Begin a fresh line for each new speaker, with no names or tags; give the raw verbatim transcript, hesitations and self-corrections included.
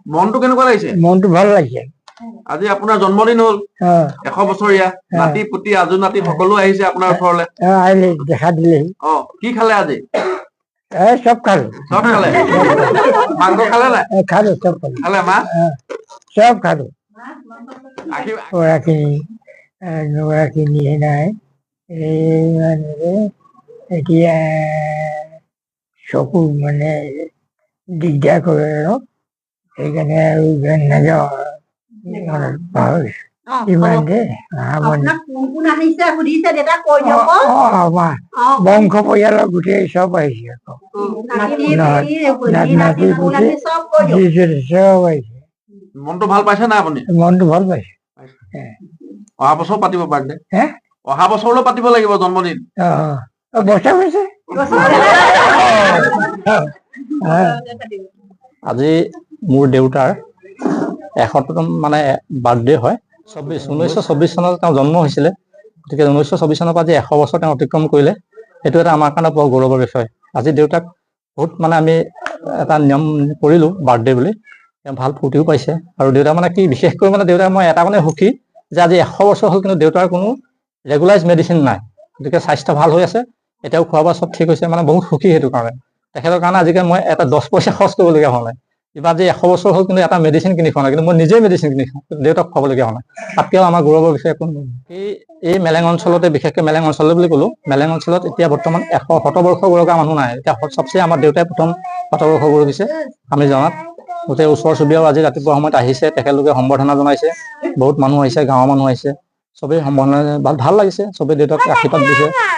মনটো কেনেকুৱা লাগিছে?
মনটো ভাল লাগিছে।
আজি আপোনাৰ জন্মদিন হ'ল এশ বছৰীয়া, নাতি পুতি আজু নাতি সকলো আহিছে আপোনাৰ ওচৰলৈ।
আহিলে দেখা দিলেহি।
অ কি খালে আজি?
এ চব খালো।
চব খালে? মাংস খালে নাই?
খালো, চব খালো।
খালে মা?
চব খালো। ওৰাখিনি নোৰাখিনি নাই এই মানে এতিয়া চকু মানে দিগদাৰ কৰে আৰু সেইকাৰণে আৰু নাযাওঁ ইমান দে বংশ পৰিয়ালৰ গোটেই চব আহিছে আকৌ নাতি পুতি চব আহিছে।
মনটো ভাল পাইছে না আপুনি?
মনটো ভাল পাইছে।
অহা বছৰ পাতিব বাৰ্থডে?
হে
অহা বছৰলৈ পাতিব লাগিব জন্মদিন।
অ বছা হৈছে।
আজি মোৰ দেউতাৰ এশতম মানে বাৰ্থডে হয়। চৌব্বিছ ঊনৈছশ চৌব্বিছ চনত তেওঁ জন্ম হৈছিলে। গতিকে ঊনৈছশ চৌব্বিছ চনৰ পৰা আজি এশ বছৰ তেওঁ অতিক্ৰম কৰিলে। সেইটো এটা আমাৰ কাৰণে বৰ গৌৰৱৰ বিষয়। আজি দেউতাক বহুত মানে আমি এটা নিয়ম কৰিলোঁ বাৰ্থডে বুলি। তেওঁ ভাল ফূৰ্তিও পাইছে আৰু দেউতা মানে কি বিশেষকৈ মানে দেউতাক মই এটা মানে সুখী যে আজি এশ বছৰ হ'ল কিন্তু দেউতাৰ কোনো ৰেগুলাইজ মেডিচিন নাই। গতিকে স্বাস্থ্য ভাল হৈ আছে। এতিয়াও খোৱা বোৱা চব ঠিক হৈছে, মানে বহুত সুখী সেইটো কাৰণে। তেখেতৰ কাৰণে আজিকালি মই এটা দহ পইচা খৰচ কৰিবলগীয়া হোৱা নাই। কিবা আজি এশ বছৰ হ'ল কিন্তু এটা মেডিচিন কিনি খোৱা নাই, কিন্তু মই নিজেই মেডিচিন কিনি খাওঁ, দেউতাক খুৱাবলগীয়া হোৱা নাই। তাতকৈও আমাৰ গৌৰৱৰ বিষয়ে একো নহয়। এই এই মেলেং অঞ্চলতে বিশেষকৈ মেলেং অঞ্চললৈ বুলি ক'লোঁ, মেলেং অঞ্চলত এতিয়া বৰ্তমান এশ শতবৰ্ষ বয়সৰ মানুহ নাই। এতিয়া চবচে আমাৰ দেউতাই প্ৰথম শতবৰ্ষ গৌৰৱিছে আমি জনাত। গোটেই ওচৰ চুবুৰীয়াও আজি ৰাতিপুৱা সময়ত আহিছে, তেখেতলোকে সম্বৰ্ধনা জনাইছে। বহুত মানুহ আহিছে, গাঁৱৰ মানুহ আহিছে, চবেই সম্বৰ্ধনা ভাল লাগিছে, চবেই দেউতাক আশীৰ্বাদ দিছে।